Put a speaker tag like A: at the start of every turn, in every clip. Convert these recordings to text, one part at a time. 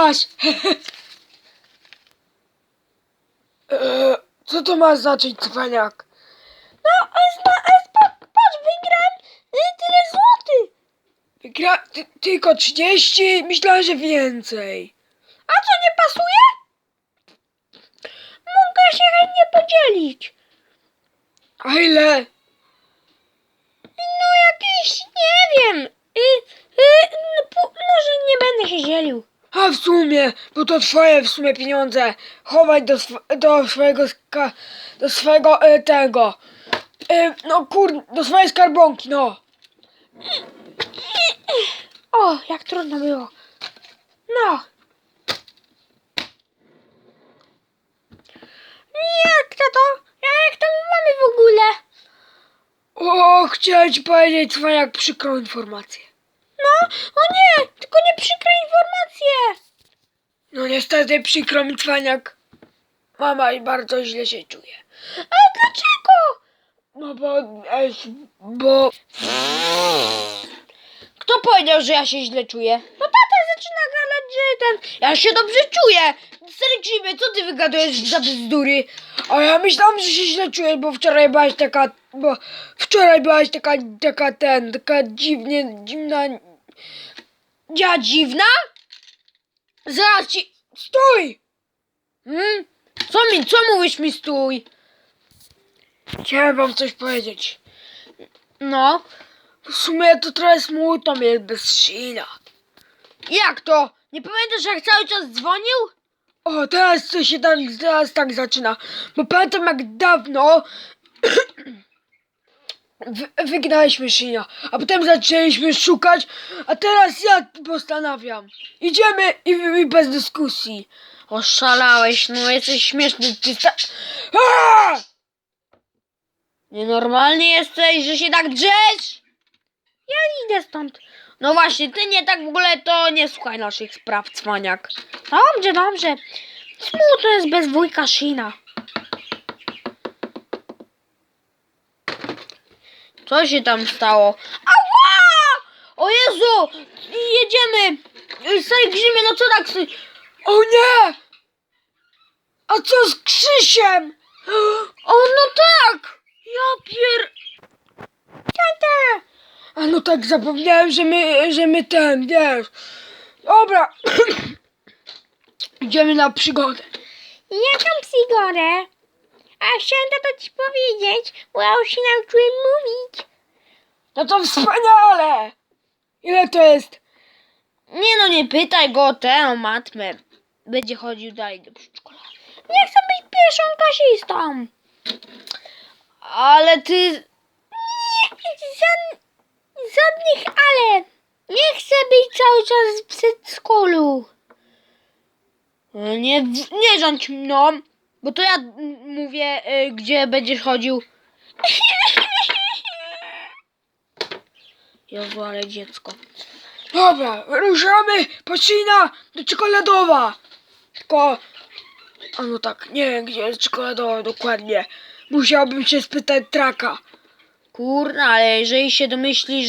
A: masz! Co to ma znaczyć, cwaniak?
B: No, patrz, wygrałem tyle złotych.
A: Tylko 30? Myślałem, że więcej.
B: A co, nie pasuje? Mogę się chętnie podzielić.
A: A ile?
B: No jakieś, nie wiem. Może nie będę się dzielił.
A: A w sumie, bo to twoje w sumie pieniądze. Chowaj do swojego tego. Do swojej skarbonki, no.
B: O, jak trudno było. No. Jak to my mamy w ogóle?
A: O, chciałem ci powiedzieć, cwaniak, przykrą informację.
B: No, o nie, tylko nie przykre informacje.
A: No niestety przykro mi, cwaniak. Mama bardzo źle się czuje.
B: Ale dlaczego?
A: No bo...
B: Kto powiedział, że ja się źle czuję? No tata zaczyna gadać, że ja się dobrze czuję. Stary Grzyby, co ty wygadujesz za bzdury?
A: A ja myślałam, że się źle czujesz, bo wczoraj byłaś taka... taka dziwna...
B: Ja dziwna? Zaraz ci...
A: Stój!
B: Co mówisz mi stój?
A: Chciałem wam coś powiedzieć.
B: No,
A: W sumie to trochę smutno mi jest bez Sheena.
B: jak to? Nie pamiętasz, jak cały czas dzwonił?
A: O, teraz tak zaczyna. Bo pamiętam, jak dawno wygnaliśmy Sheena, a potem zaczęliśmy szukać, a teraz ja postanawiam. Idziemy i bez dyskusji.
B: Oszalałeś, no jesteś śmieszny,
A: Aaaa!
B: Nienormalny jesteś, że się tak drzesz? Ja idę stąd. No właśnie, ty nie tak w ogóle to nie słuchaj naszych spraw, cwaniak. Dobrze. Smutno jest bez wujka Sheena. Co się tam stało? Ała! O Jezu! Jedziemy! Stary Grzymie, no co tak...
A: O nie! A co z Krzysiem?
B: O, no tak! Ja Tata!
A: A no tak, zapomniałem, że my wiesz. Dobra. Idziemy na przygodę.
B: Jaką przygodę? A chciałem to ci powiedzieć, bo ja już się nauczyłem mówić.
A: No to wspaniale! Ile to jest?
B: Nie no, nie pytaj go o tę matmę. Będzie chodził dalej do przedszkola. Nie chcę być pierwszą klasistą. Ale ty... Nie, żadnych ale. Nie chcę być cały czas w przedszkolu. Nie rządź mną, bo to ja mówię, gdzie będziesz chodził. Jezu, ale dziecko.
A: Dobra, ruszamy po Sheena do Czekoladowa. Tylko... A no tak, nie wiem, gdzie jest Czekoladowa dokładnie. Musiałbym się spytać Traka.
B: Kurna, ale jeżeli się domyśli,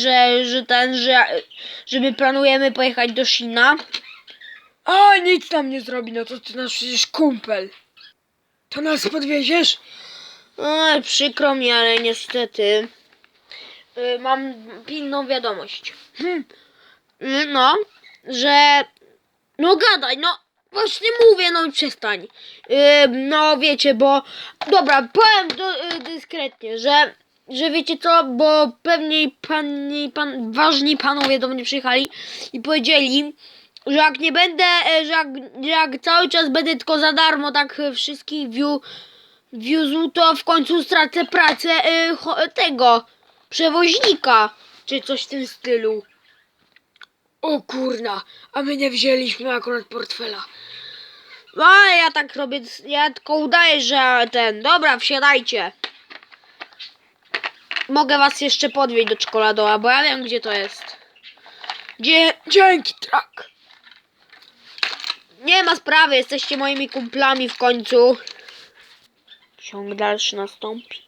B: że my planujemy pojechać do Sheena.
A: A, nic nam nie zrobi, no to ty nasz przecież kumpel. To nas podwieziesz?
B: Przykro mi, ale niestety mam pilną wiadomość. No, że... No gadaj, no właśnie mówię, no i przestań. No wiecie, bo... Dobra, powiem dyskretnie, że wiecie co, bo pewnie ważni panowie do mnie przyjechali i powiedzieli, że jak nie będę, że jak cały czas będę tylko za darmo tak wszystkich wiózł, to w końcu stracę pracę tego przewoźnika, czy coś w tym stylu.
A: O kurna, a my nie wzięliśmy akurat portfela.
B: A ja tak robię, ja tylko udaję, że dobra, wsiadajcie. Mogę was jeszcze podwieźć do Czekoladowa, bo ja wiem, gdzie to jest.
A: Dzięki, Trak.
B: Nie ma sprawy, jesteście moimi kumplami w końcu. Ciąg dalszy nastąpi.